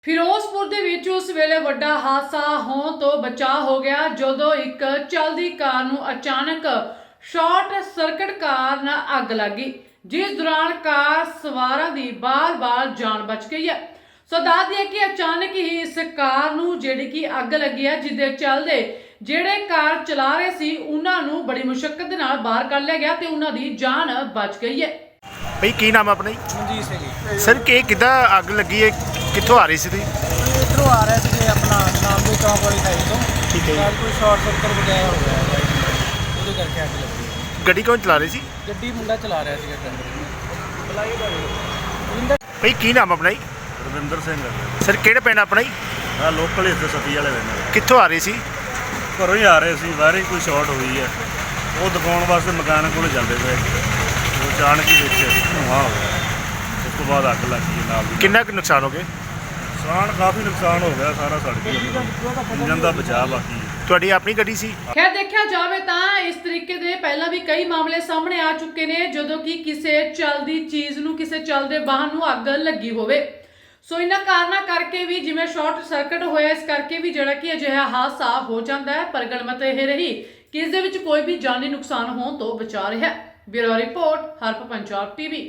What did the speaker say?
ਫਿਰੋਜ਼ਪੁਰ ਦੇ ਵਿੱਚ ਉਸ ਵੇਲੇ ਵੱਡਾ ਹਾਦਸਾ ਹੋਣ ਤੋਂ ਬਚਾ ਹੋ ਗਿਆ ਜਦੋਂ ਇੱਕ ਚਲਦੀ ਕਾਰ ਨੂੰ ਅਚਾਨਕ ਸ਼ਾਰਟ ਸਰਕਟ ਕਾਰਨ ਅੱਗ ਲੱਗ ਗਈ, ਜਿਸ ਦੌਰਾਨ ਕਾਰ ਸਵਾਰਾਂ ਦੀ ਬਾਰ-ਬਾਰ ਜਾਨ ਬਚ ਗਈ ਹੈ। ਸੋ ਦੱਸ ਦਈਏ ਕਿ ਅਚਾਨਕ ਹੀ ਇਸ ਕਾਰ ਨੂੰ ਜਿਹੜੀ ਕਿ ਅੱਗ ਲੱਗੀ ਹੈ, ਜਿਹਦੇ ਚੱਲਦੇ ਜਿਹੜੇ ਕਾਰ ਚਲਾ ਰਹੇ ਸੀ ਉਹਨਾਂ ਨੂੰ ਬੜੀ ਮੁਸ਼ਕਲ ਦੇ ਨਾਲ ਬਾਹਰ ਕੱਢ ਲਿਆ ਗਿਆ ਤੇ ਉਹਨਾਂ ਦੀ ਜਾਨ ਬਚ ਗਈ ਹੈ। भाई की नाम है अपना ਮਨਜੀਤ ਸਿੰਘ ਜੀ। सर कि किदा अग लगी है कितों आ रही सी थी? ਇੱਧਰੋਂ ਆ ਰਿਹਾ ਸੀ ਆਪਣਾ ਨਾਮ ਦੇ ਚੌਂਕ ਵਾਲੀ ਸਾਈਡ ਤੋਂ। ठीक है ਨਾਲ ਕੋਈ ਸ਼ਾਰਟ ਸਰਕਟ ਵਗੈਰਾ ਹੋ ਗਿਆ ਹੈ, ਉਹਦੇ ਕਰਕੇ ਅੱਗ ਲੱਗੀ ਹੈ। गड्डी कौन चला रही सी? ਗੱਡੀ ਮੁੰਡਾ ਚਲਾ ਰਿਹਾ ਸੀਗਾ ਟਰੈਕਟਰ। भाई की नाम अपना जी? ਰਵਿੰਦਰ ਸਿੰਘ सर केड़े पिंड अपना जी? ਆ ਲੋਕਲ ਇੱਥੇ ਸਤੀ ਵਾਲੇ ਰਹਿੰਦੇ कितों आ रही सी? ਘਰੋਂ ਹੀ ਆ ਰਹੇ ਸੀ, ਬਾਹਰ ਹੀ ਕੋਈ ਸ਼ਾਰਟ ਹੋਈ ਹੈ। ਉਹ ਦਿਖਾਉਣ ਵਾਸਤੇ ਮਕਾਨ ਕੋਲ ਜਾਂਦੇ ਪਏ, ਉਹ ਅਚਾਨਕ ਹੀ ਵਿੱਚ ਧੂੰਆਂ ਹੋ ਗਿਆ। ਉਸ ਤੋਂ ਬਾਅਦ ਅੱਗ ਲੱਗ ਗਈ ਨਾਲ ਦੀ। किन्ना कुछ नुकसान हो गए? ਨੁਕਸਾਨ ਕਾਫੀ ਨੁਕਸਾਨ ਹੋ ਗਿਆ, ਸਾਰਾ ਸੜ ਗਿਆ। ਇੰਜਨ ਦਾ ਬਚਾਅ ਬਾਕੀ ਹੈ। ਤੁਹਾਡੀ ਆਪਣੀ ਗੱਡੀ ਸੀ? ਖੈਰ ਦੇਖਿਆ ਜਾਵੇ ਤਾਂ ਇਸ ਤਰੀਕੇ ਦੇ ਪਹਿਲਾਂ ਵੀ ਕਈ ਮਾਮਲੇ ਸਾਹਮਣੇ ਆ ਚੁੱਕੇ ਨੇ ਜਦੋਂ ਕਿ ਕਿਸੇ ਚੱਲਦੀ ਚੀਜ਼ ਨੂੰ, ਕਿਸੇ ਚੱਲਦੇ ਵਾਹਨ ਨੂੰ ਅੱਗ ਲੱਗੀ ਹੋਵੇ। ਸੋ ਇਹਨਾਂ ਕਾਰਨਾਂ ਕਰਕੇ ਵੀ ਜਿਵੇਂ ਸ਼ਾਰਟ ਸਰਕਟ ਹੋਇਆ, ਇਸ ਕਰਕੇ ਵੀ ਜਿਹੜਾ ਕਿ ਅਜਿਹਾ ਹਾਦਸਾ ਹੋ ਜਾਂਦਾ ਹੈ। ਪਰ ਗਣਮਤ ਇਹ ਰਹੀ ਕਿ ਇਸ ਦੇ ਵਿੱਚ ਕੋਈ ਵੀ ਜਾਨੀ ਨੁਕਸਾਨ ਹੋਣ ਤੋਂ ਬਚਾ ਰਿਹਾ ਹੈ। ਬਿਊਰੋ ਰਿਪੋਰਟ, ਹਰਪ ਪੰਜਾਬ ਟੀਵੀ।